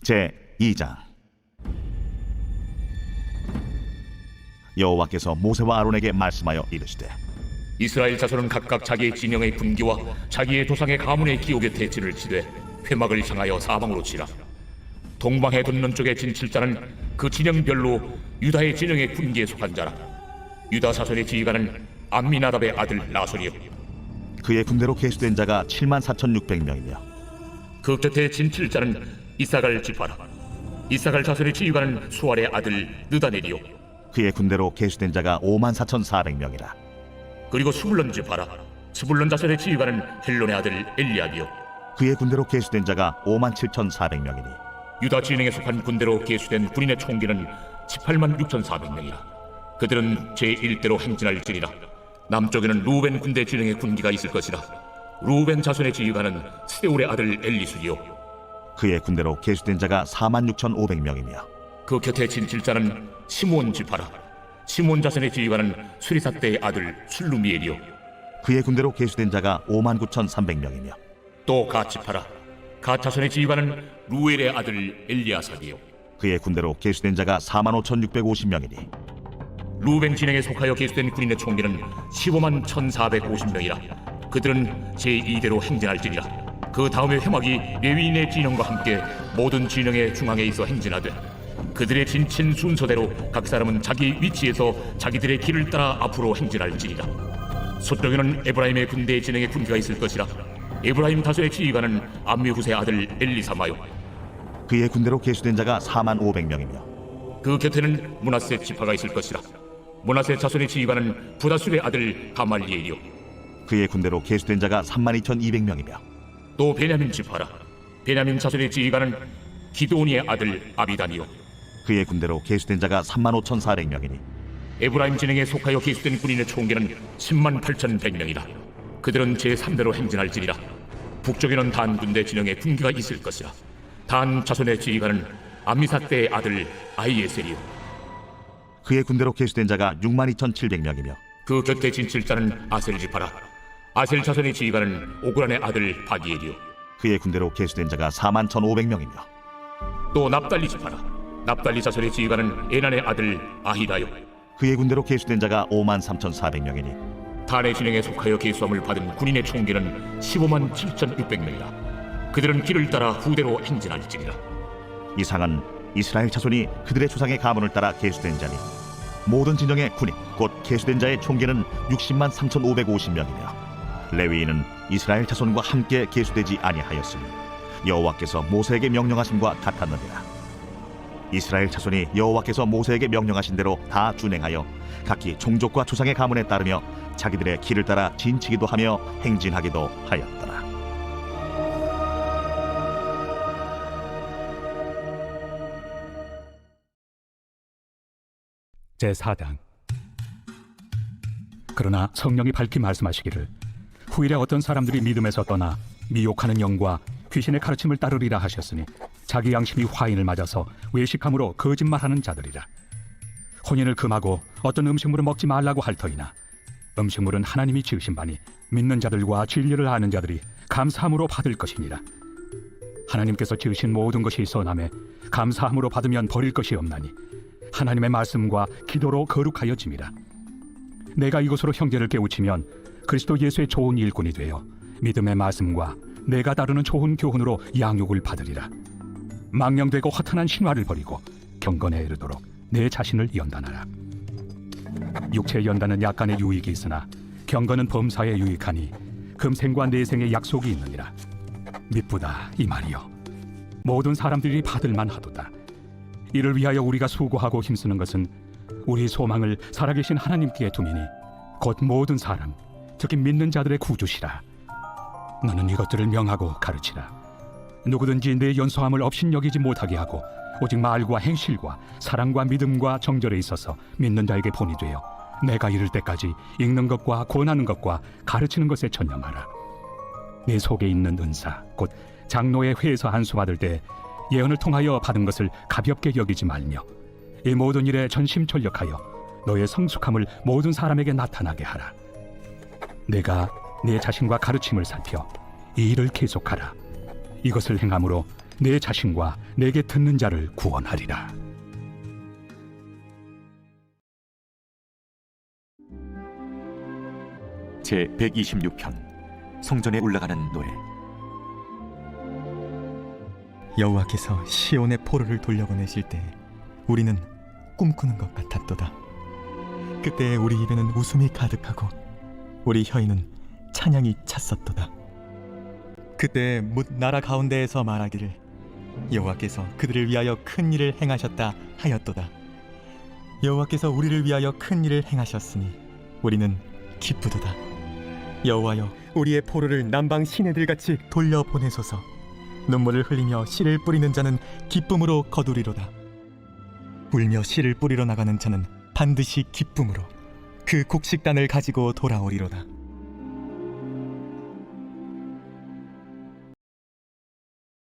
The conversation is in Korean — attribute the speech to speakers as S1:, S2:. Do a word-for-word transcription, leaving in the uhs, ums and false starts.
S1: 제이 장. 여호와께서 모세와 아론에게 말씀하여 이르시되
S2: 이스라엘 자손은 각각 자기의 진영의 군기와 자기의 조상의 가문의 기호 곁에 진을 치되 회막을 향하여 사방으로 치라. 동방해 돋는 쪽의 진칠자는 그 진영별로 유다의 진영의 군기에 속한 자라. 유다 자손의 지휘관은 암미나답의 아들 나손이요,
S1: 그의 군대로 계수된 자가 칠만 사천육백 명이며
S2: 그 곁에 진칠자는 이사갈 지파라. 이사갈 자손의 지휘관은 수알의 아들 느다넬이요,
S1: 그의 군대로 계수된 자가 오만 사천사백 명이라.
S2: 그리고 스불론 지파라. 스불론 자손의 지휘관은 헬론의 아들 엘리압이요,
S1: 그의 군대로 계수된 자가 오만 칠천사백 명이니
S2: 유다 진영에 속한 군대로 계수된 군인의 총기는 십팔만 육천사백 명이라. 그들은 제일 대로 행진할지니라. 남쪽에는 루벤 군대 진영의 군기가 있을 것이라. 루벤 자손의 지휘관은 스데울의 아들 엘리술이요,
S1: 그의 군대로 계수된 자가 사만 육천오백 명이며
S2: 그 곁에 진칠자는 시므온 지파라. 시므온 자손의 지휘관은 수리사대의 아들 술루미엘이요,
S1: 그의 군대로 계수된 자가 오만 구천삼백 명이며
S2: 또 갓 지파라. 갓 자손의 지휘관은 루엘의 아들 엘리아삭이요,
S1: 그의 군대로 계수된 자가 사만 오천육백오십 명이니
S2: 루벤 진영에 속하여 계수된 군인의 총기는 십오만 천사백오십 명이라. 그들은 제이 대로 행진할지니라. 그 다음에 회막이 레위인의 진영과 함께 모든 진영의 중앙에 있어 행진하되 그들의 진친 순서대로 각 사람은 자기 위치에서 자기들의 길을 따라 앞으로 행진할지니라. 서쪽에는 에브라임의 군대의 진영의 군기가 있을 것이라. 에브라임 다소의 지휘관은 암미후스의 아들 엘리사마요,
S1: 그의 군대로 계수된 자가 사만 오백 명이며
S2: 그 곁에는 므낫세 지파가 있을 것이라. 므낫세 자손의 지휘관은 부다술의 아들 가말리엘이요,
S1: 그의 군대로 계수된 자가 삼만 이천이백 명이며
S2: 또 베냐민 지파라. 베냐민 자손의 지휘관은 기드온이의 아들 아비단이요,
S1: 그의 군대로 계수된 자가 삼만 오천사백 명이니
S2: 에브라임 진영에 속하여 계수된 군인의 총기는 십만 팔천백 명이라. 그들은 제삼 대로 행진할지니라. 북쪽에는 단 군대 진영에 군기가 있을 것이라. 단 자손의 지휘관은 암미사대의 아들 아이에셀이요,
S1: 그의 군대로 계수된 자가 육만 이천칠백 명이며
S2: 그 곁에 진칠자는 아셀 지파라. 아셀 자손의 지휘관은 오그란의 아들 바기엘이요,
S1: 그의 군대로 계수된 자가 사만 천오백 명이며
S2: 또 납달리 지파라. 납달리 자손의 지휘관은 에난의 아들 아히다요,
S1: 그의 군대로 계수된 자가 오만 삼천사백 명이니
S2: 단의 진영에 속하여 계수함을 받은 군인의 총기는 십오만 칠천육백 명이라. 그들은 길을 따라 후대로 행진할지니라.
S1: 이상은 이스라엘 자손이 그들의 조상의 가문을 따라 계수된 자니 모든 진영의 군인 곧 계수된 자의 총기는 육십만 삼천오백오십 명이며 레위인은 이스라엘 자손과 함께 계수되지 아니하였으니 여호와께서 모세에게 명령하심과 같았느니라. 이스라엘 자손이 여호와께서 모세에게 명령하신 대로 다 준행하여 각기 종족과 조상의 가문에 따르며 자기들의 길을 따라 진치기도 하며 행진하기도 하였더라.
S3: 제사 장. 그러나 성령이 밝히 말씀하시기를 후일에 어떤 사람들이 믿음에서 떠나 미혹하는 영과 귀신의 가르침을 따르리라 하셨으니 자기 양심이 화인을 맞아서 외식함으로 거짓말하는 자들이라. 혼인을 금하고 어떤 음식물을 먹지 말라고 할 터이나 음식물은 하나님이 지으신 바니 믿는 자들과 진리를 아는 자들이 감사함으로 받을 것이니라. 하나님께서 지으신 모든 것이 선하매 감사함으로 받으면 버릴 것이 없나니 하나님의 말씀과 기도로 거룩하여짐이라. 내가 이것으로 형제를 깨우치면 그리스도 예수의 좋은 일꾼이 되어 믿음의 말씀과 내가 다루는 좋은 교훈으로 양육을 받으리라. 망령되고 허탄한 신화를 버리고 경건에 이르도록 내 자신을 연단하라. 육체의 연단은 약간의 유익이 있으나 경건은 범사에 유익하니 금생과 내생의 약속이 있느니라. 미쁘다 이 말이여. 모든 사람들이 받을만 하도다. 이를 위하여 우리가 수고하고 힘쓰는 것은 우리 소망을 살아계신 하나님께 두미니 곧 모든 사람 특히 믿는 자들의 구주시라. 너는 이것들을 명하고 가르치라. 누구든지 내 연소함을 업신여기지 못하게 하고 오직 말과 행실과 사랑과 믿음과 정절에 있어서 믿는 자에게 본이 되어 내가 이를 때까지 읽는 것과 권하는 것과 가르치는 것에 전념하라. 내 속에 있는 은사 곧 장로의 회에서 안수 받을 때 예언을 통하여 받은 것을 가볍게 여기지 말며 이 모든 일에 전심전력하여 너의 성숙함을 모든 사람에게 나타나게 하라. 내가 내 자신과 가르침을 살펴 이 일을 계속하라. 이것을 행함으로 내 자신과 내게 듣는 자를 구원하리라.
S4: 제백이십육 편 성전에 올라가는 노래.
S5: 여호와께서 시온의 포로를 돌려보내실 때 우리는 꿈꾸는 것 같았도다. 그때 우리 입에는 웃음이 가득하고 우리 혀에는 찬양이 찼었도다. 그때 뭇 나라 가운데에서 말하기를 여호와께서 그들을 위하여 큰 일을 행하셨다 하였도다. 여호와께서 우리를 위하여 큰 일을 행하셨으니 우리는 기쁘도다. 여호와여, 우리의 포로를 남방 시내들같이 돌려보내소서. 눈물을 흘리며 씨를 뿌리는 자는 기쁨으로 거두리로다. 울며 씨를 뿌리러 나가는 자는 반드시 기쁨으로 그 곡식단을 가지고 돌아오리로다.